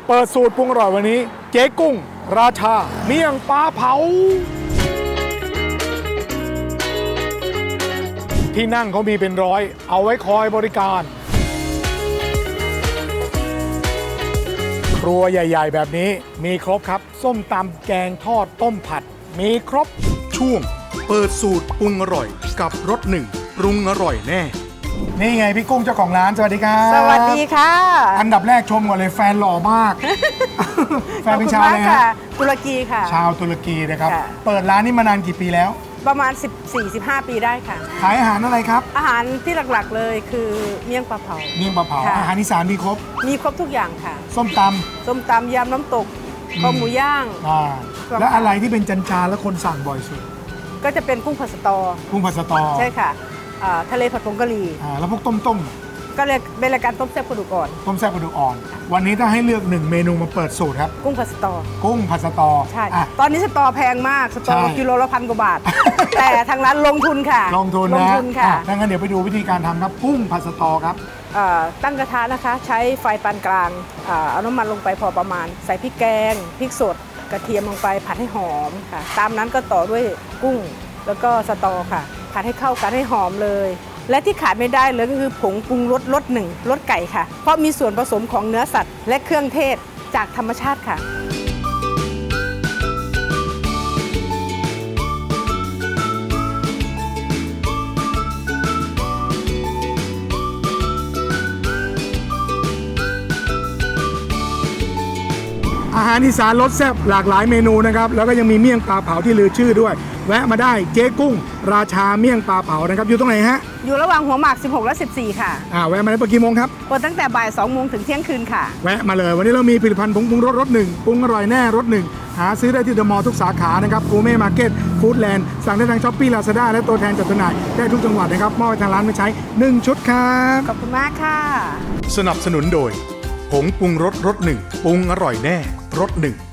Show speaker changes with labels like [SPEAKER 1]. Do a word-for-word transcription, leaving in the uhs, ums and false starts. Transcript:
[SPEAKER 1] เปิดสูตรปรุงอร่อยวันนี้เจ๊กุ้งราชาเมี่ยงปลาเผาที่นั่งเขามีเป็นร้อยเอาไว้คอยบริการครัวใหญ่ๆแบบนี้มีครบครับส้มตำแกงทอดต้มผัดมีครบช่วงเปิดสูตรปรุงอร่อยกับรสหนึ่งปรุงอร่อยแน่นี่ไงพี่กุ้งเจ้าของร้านสวัสดีครับ
[SPEAKER 2] สวัสดีค่ะ
[SPEAKER 1] อันดับแรกชมก่อนเลยแฟนหล่อมาก แฟนเป็นชาวอะไรฮะ
[SPEAKER 2] ตุรกีค่ะ
[SPEAKER 1] ชาวตุรกีนะครับเปิดร้านนี้มานานกี่ปีแล้ว
[SPEAKER 2] ประมาณ สิบสี่ สิบห้า ปีได้ค่ะ
[SPEAKER 1] ขายอาหารอะไรครับ
[SPEAKER 2] อาหารที่หลักๆเลยคือเมี่ยงปลาเผา
[SPEAKER 1] เมี่ยงปลาเผาอาหารอีสานมีครบ
[SPEAKER 2] มีครบทุกอย่างค่ะ
[SPEAKER 1] ส้มตำ
[SPEAKER 2] ส้มตำยำน้ำตกข้าวหมูย่าง
[SPEAKER 1] แล้วอะไรที่เป็นจันจานแล้วคนสั่งบ่อยสุด
[SPEAKER 2] ก็จะเป็นกุ้งผัดสตอ
[SPEAKER 1] กุ้งผัดสตอ
[SPEAKER 2] ใช่ค่ะทะเลผัดผงกะหรี่
[SPEAKER 1] แล้วพวกต้มต้ม
[SPEAKER 2] ก็เลยเป็นรายการต้มแซ่บกระดูกอ่อน
[SPEAKER 1] ต้มแซ่บกระดูกอ่อนวันนี้ถ้าให้เลือกหนึ่งเมนูมาเปิดสูตรครับ
[SPEAKER 2] กุ้งผัดสตอ
[SPEAKER 1] กุ้งผัดสตอ
[SPEAKER 2] ใช่ตอนนี้สตอแพงมากสตอกิโลละพันกว่าบาทแต่ทางร้านลงทุนค่ะ
[SPEAKER 1] ลงทุนนะลงทุนค่ะดังนั้นเดี๋ยวไปดูวิธีการทำครับกุ้งผัดสตอครับ
[SPEAKER 2] ตั้งกระทะนะคะใช้ไฟปานกลางเอาน้ำมันลงไปพอประมาณใส่พริกแกงพริกสดกระเทียมลงไปผัดให้หอมค่ะตามนั้นก็ต่อด้วยกุ้งแล้วก็สตอค่ะผัดให้เข้ากันให้หอมเลยและที่ขาดไม่ได้เลยก็คือผงปรุงรสรสหนึ่งรสไก่ค่ะเพราะมีส่วนผสมของเนื้อสัตว์และเครื่องเทศจากธรรมชาติค่ะ
[SPEAKER 1] อาหารอีสานรสแซ่บหลากหลายเมนูนะครับแล้วก็ยังมีเมี่ยงปลาเผาที่ลือชื่อด้วยแวะมาได้เจ๊กุ้งราชาเมี่ยงปลาเผานะครับอยู่ตรงไหนฮะ
[SPEAKER 2] อยู่ระหว่างหัวหมากสิบหกและสิบสี่ค่ะ
[SPEAKER 1] อ่าแวะมาได้เปิดกี่โมงครับ
[SPEAKER 2] เปิดตั้งแต่บ่ายสองโมงถึงเที่ยงคืนค่ะ
[SPEAKER 1] แวะมาเลยวันนี้เรามีผลิตภัณฑ์ผงปรุงรสรสหนึ่งปรุงอร่อยแน่รสหนึ่งหาซื้อได้ที่เดอะมอลล์ทุกสาขานะครับกูเม่มาร์เก็ตฟู้ดแลนด์สั่งได้ทางช้อปปี้ลาซาด้าและตัวแทนจัดจำหน่ายได้ทุกจังหวัดนะครับมอบให้ทางร้านมาใช้หนึ่งชุดครับ
[SPEAKER 2] ขอบคุณมากค่ะ
[SPEAKER 1] สนับสนุนโดยผงปรุงรสรสหนึ่งปรุงอร่อยแน่รสหนึ่ง